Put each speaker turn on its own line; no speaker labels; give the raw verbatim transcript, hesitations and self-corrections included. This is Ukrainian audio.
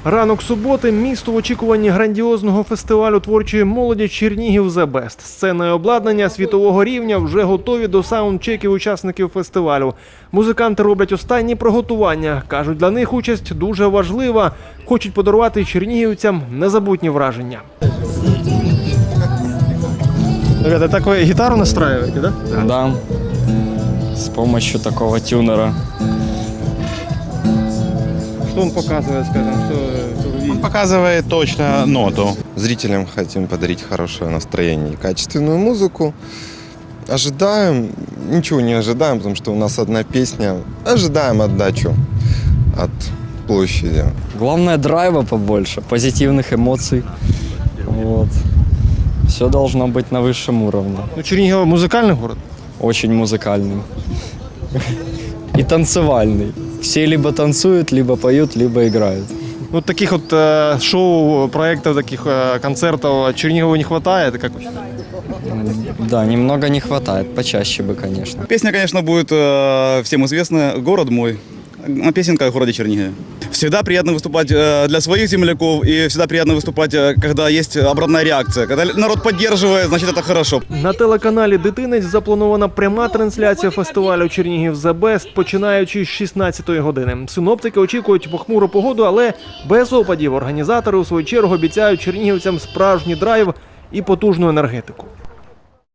Ранок суботи – місто в очікуванні грандіозного фестивалю творчої молоді «Чернігів The Best». Сцена і обладнання світового рівня вже готові до саундчеків учасників фестивалю. Музиканти роблять останні приготування. Кажуть, для них участь дуже важлива. Хочуть подарувати чернігівцям незабутні враження. Ребята, так ви гітару настраюєте, да?
Да, с помощью такого тюнера.
Что он показывает, скажем, что, что вы видите?
Он показывает точно ноту.
Зрителям хотим подарить хорошее настроение и качественную музыку. Ожидаем, ничего не ожидаем, потому что у нас одна песня. Ожидаем отдачу от площади.
Главное, драйва побольше, позитивных эмоций. Вот. Все должно быть на высшем уровне.
Ну, Чернігів – музикальний город.
Очень музыкальный. И танцевальный. Все либо танцуют, либо поют, либо играют.
Ну, таких вот э, шоу, проектов, таких э, концертов Чернигову не хватает, как вы считаете?
Да, немного не хватает, почаще бы, конечно.
Песня, конечно, будет э, всем известна «Город мой». Песенка о городе Чернигове. Всегда приятно выступать э, для своих земляков и всегда приятно выступать, э, когда есть обратная реакция. Когда народ поддерживает, значит, это хорошо.
На телеканалі «Дитинець» запланована пряма трансляція фестивалю «Чернігів The Best», починаючи з шістнадцятої години. Синоптики очікують похмуру погоду, але без опадів. Організатори, у свою чергу, обіцяють чернігівцям справжній драйв і потужну енергетику.